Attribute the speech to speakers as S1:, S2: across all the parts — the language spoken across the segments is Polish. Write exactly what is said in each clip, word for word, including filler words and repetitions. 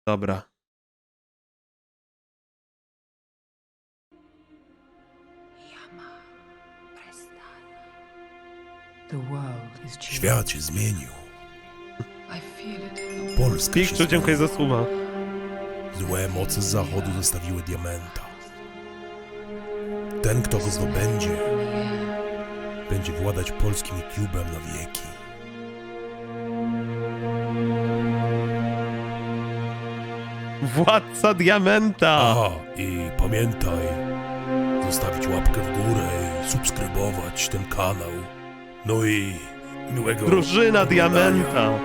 S1: Dobra.
S2: Świat się zmienił. Polska się
S1: Pikczu, dziękuję za słowa.
S2: Złe moce z zachodu zostawiły diamenta. Ten, kto go zdobędzie, będzie władać polskim YouTube'em na wieki.
S1: Władca diamenta!
S2: Aha, i pamiętaj, zostawić łapkę w górę i subskrybować ten kanał. No i miłego
S1: Drużyna
S2: oglądania.
S1: diamenta!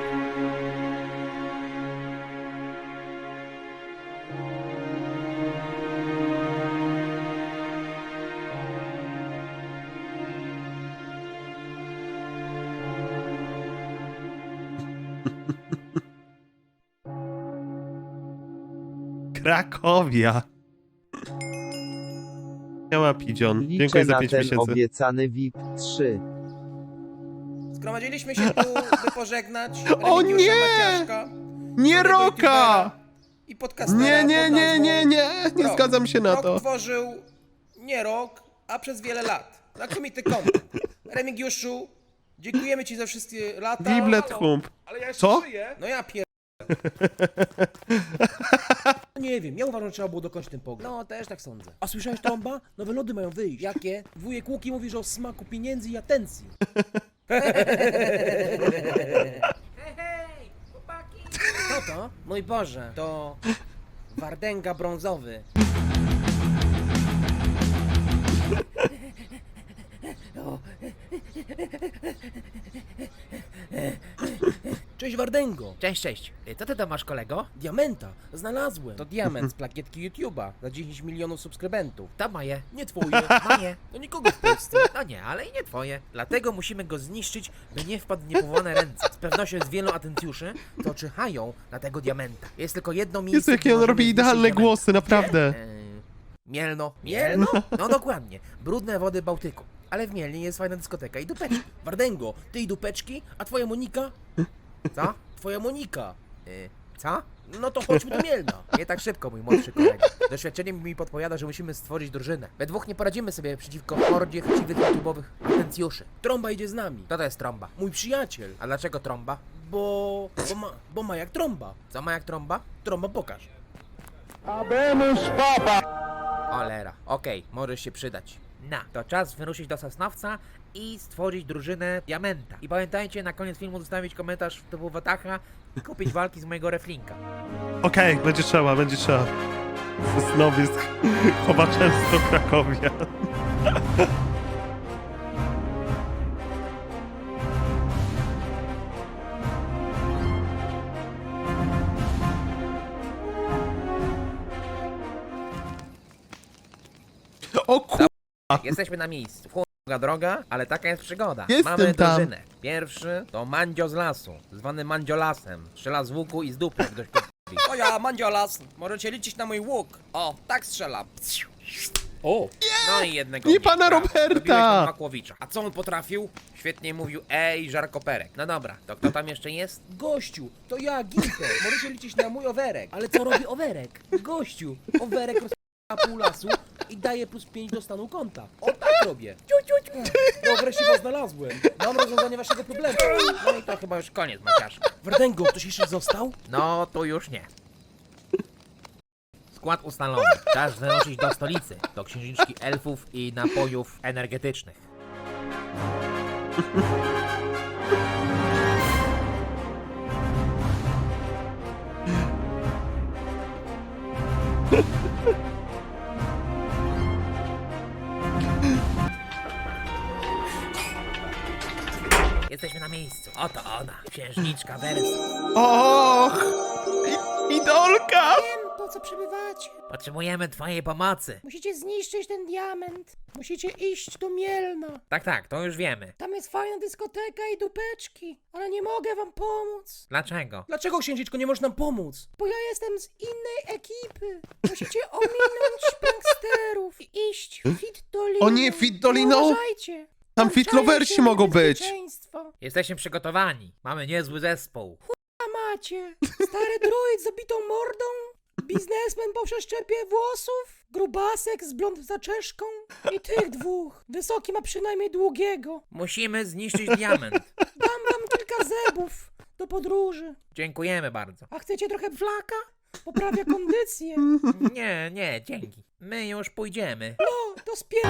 S1: Krakowia. Nie ma Pidzion.
S3: Liczę
S1: Dziękuję za
S3: na
S1: pięć
S3: ten
S1: miesięcy.
S3: obiecany V I P trzy.
S4: Zgromadziliśmy się tu, by pożegnać
S1: O
S4: Remigiusza
S1: nie!
S4: Maciaszka,
S1: Nie
S4: znanego
S1: Roka!
S4: youtubera i podcastera
S1: Nie, nie,
S4: pod
S1: nie,
S4: nazwą
S1: nie, nie! Nie
S4: Rok.
S1: zgadzam się na
S4: Rok
S1: to.
S4: tworzył nie rok, a przez wiele lat. Znakomity content. Remigiuszu, dziękujemy ci za wszystkie lata.
S1: Giblet hump. Co?
S4: No ja pier... Nie wiem, ja uważam, że trzeba było dokończyć ten pogląd. No, też tak sądzę. A słyszałeś, Trąba? Nowe lody mają wyjść. Jakie? Wujek Łuki mówi, że o smaku pieniędzy i atencji. Hej, chłopaki! Co to? Mój Boże, to Wardęga brązowy. Cześć Wardęgo!
S5: Cześć, cześć. Co ty tam masz, kolego?
S4: Diamenta! Znalazłem! To diament z plakietki YouTube'a za dziesięć milionów subskrybentów.
S5: To moje.
S4: Nie twoje.
S5: Moje.
S4: To nikogo w Polsce.
S5: No nie, ale i nie twoje. Dlatego musimy go zniszczyć, by nie wpadł w niepowołane ręce. Z pewnością jest wielu atencjuszy, to czyhają na tego diamenta. Jest tylko jedno miejsce,
S1: Jezu, jakie
S5: gdzie
S1: on
S5: możemy
S1: robi
S5: zniszczyć
S1: idealne
S5: diamenta.
S1: głosy, naprawdę.
S5: Eee, Mielno.
S4: Mielno?
S5: No dokładnie. Brudne wody Bałtyku. Ale w Mielnie jest fajna dyskoteka i dupeczki.
S4: Wardęgo, ty i dupeczki, a twoja Monika?
S5: Co?
S4: Twoja Monika.
S5: Eee, co?
S4: No to chodźmy do Mielna.
S5: Nie tak szybko, mój młodszy kolega. Doświadczenie mi podpowiada, że musimy stworzyć drużynę. We dwóch nie poradzimy sobie przeciwko hordzie chciwych YouTube'owych atencjuszy.
S4: Trąba idzie z nami.
S5: Kto to jest trąba?
S4: Mój przyjaciel.
S5: A dlaczego trąba?
S4: Bo... bo ma, bo ma jak trąba.
S5: Co ma jak trąba?
S4: Trąba pokaż.
S5: Olera. Okej, możesz się przydać. Na, to czas wyruszyć do Sosnowca i stworzyć drużynę Diamenta. I pamiętajcie na koniec filmu zostawić komentarz typu Watacha i kupić walki z mojego reflinka.
S1: Okej, będzie trzeba, będzie trzeba. Sosnowiec chowa często Krakowia. O ku...
S5: Jesteśmy na miejscu. Długa droga, ale taka jest przygoda.
S1: Jestem
S5: Mamy
S1: tam.
S5: drużynę. Pierwszy to Mandzio z lasu, zwany Mandziolasem. Strzela z łuku i z dupy, jak dość podpowiedzi.
S4: O ja, Mandziolas. Możecie liczyć na mój łuk. O, tak strzelam. O,
S5: No i jednego
S1: Nie
S5: mniej,
S1: pana
S5: brawo.
S1: Roberta!
S5: Dobiłeś od Makłowicza.
S4: a co on potrafił?
S5: Świetnie mówił ej, żarkoperek. No dobra, to kto tam jeszcze jest?
S4: Gościu, to ja, Gimper. Możecie liczyć na mój owerek. Ale co robi owerek? Gościu, owerek rozp***a pół lasu i daje plus pięć do stanu konta. O tak robię. Ciu, ciu, ciu. No wreszcie was znalazłem. Mam rozwiązanie waszego problemu.
S5: No i to chyba już koniec, Maciaszka.
S4: Wardęgo, ktoś jeszcze został?
S5: No, to już nie. Skład ustalony. Czas wyruszyć do stolicy, do księżniczki elfów i napojów energetycznych. Jesteśmy na miejscu. Oto ona, księżniczka Wersa.
S1: Och! I- Idolka!
S6: Wiem, po co przybywacie.
S5: Potrzebujemy twojej pomocy.
S6: Musicie zniszczyć ten diament. Musicie iść do Mielna.
S5: Tak, tak, to już wiemy.
S6: Tam jest fajna dyskoteka i dupeczki. Ale nie mogę wam pomóc,
S5: Dlaczego?
S4: Dlaczego księżniczko nie możesz nam pomóc?
S6: bo ja jestem z innej ekipy. Musicie ominąć pranksterów i iść fit doliną.
S1: O nie, fit doliną?
S6: Uważajcie.
S1: Tam
S6: Włączajcie
S1: fit loversi mogą być.
S6: niebezpieczeństwo.
S5: Jesteśmy przygotowani. Mamy niezły zespół.
S6: A macie? Stary druid z obitą mordą? Biznesmen po przeszczepie włosów? Grubasek z blond zaczeszką? I tych dwóch. Wysoki ma przynajmniej długiego.
S5: Musimy zniszczyć diament.
S6: Dam wam kilka zebów do podróży.
S5: Dziękujemy bardzo.
S6: A chcecie trochę flaka? Poprawia kondycję.
S5: Nie, nie, dzięki. My już pójdziemy.
S6: No, to spier...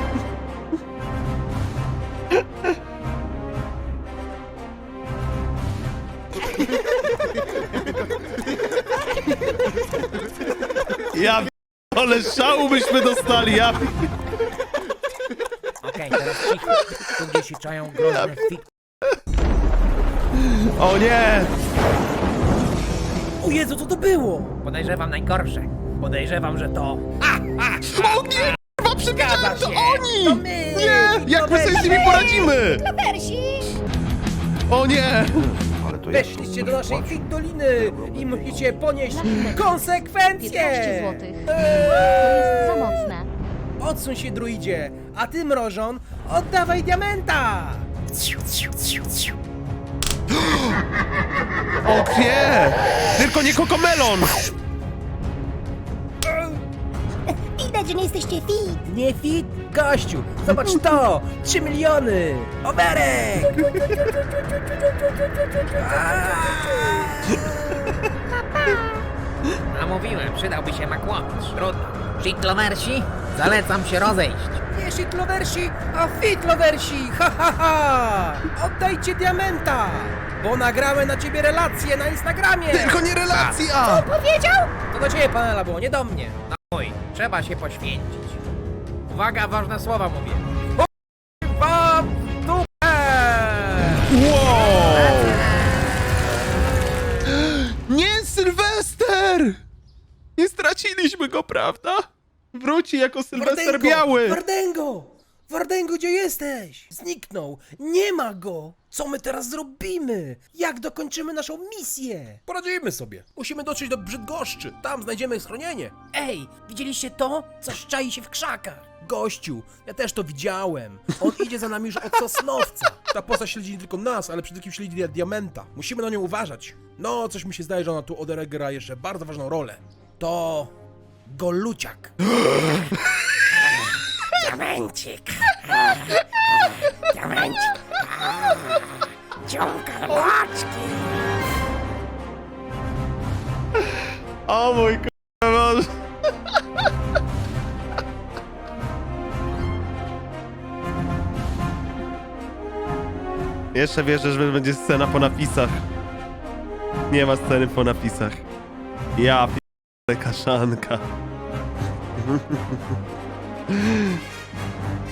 S1: Ja p- ale szału byśmy dostali, ja p-
S5: Okej, teraz cicho. Tu gdzieś się czają groźne fik...
S1: O nie!
S4: O Jezu, co to było?
S5: Podejrzewam najgorsze. Podejrzewam, że to...
S1: O nie! Chyba przewidziałem, to
S5: się.
S1: oni!
S4: To my!
S1: Nie! Jak my sobie z nimi poradzimy? O nie!
S4: Weszliście do naszej Fit Doliny i musicie ponieść
S7: piętnaście
S4: konsekwencje!
S7: złotych. To jest za mocne.
S4: Odsuń się, druidzie, a ty, mrożon, oddawaj diamenta!
S1: O nie! Tylko nie kokomelon!
S6: Widać, że nie jesteście fit.
S4: Nie fit? Gościu, zobacz to! Trzy miliony! Oberek!
S5: A mówiłem, przydałby się makłowicz. Trudno. Shitloversi, zalecam się rozejść.
S4: Nie shitloversi, a fitloversi! Ha, ha, ha! Oddajcie diamenta! Bo nagrałem na ciebie relacje na Instagramie!
S1: Tylko nie relacja!
S4: To do ciebie, panela, było, nie do mnie.
S5: No mój, trzeba się poświęcić. Uwaga, ważne słowa mówię. Wam w dupę!
S1: Wow! Nie, Sylwester! Nie straciliśmy go, prawda? Wróci jako Sylwester
S4: Wardęgo!
S1: Biały!
S4: Wardęgo! Wardęgo, gdzie jesteś? Zniknął! Nie ma go! Co my teraz zrobimy? Jak dokończymy naszą misję? Poradzimy sobie. Musimy dotrzeć do Brzydgoszczy. Tam znajdziemy schronienie. Ej, widzieliście to? Coś czai się w krzakach. Gościu, ja też to widziałem. On idzie za nami już od Sosnowca. Ta postać śledzi nie tylko nas, ale przede wszystkim śledzi Diamenta. Musimy na nią uważać. No, coś mi się zdaje, że ona tu odegra jeszcze bardzo ważną rolę. To... Goluciak.
S6: Diamencik. Diamencik. Ciąga laczki.
S1: O mój k***a Boże. Jeszcze wierzę, że będzie scena po napisach. Nie ma sceny po napisach. Ja p***e kaszanka.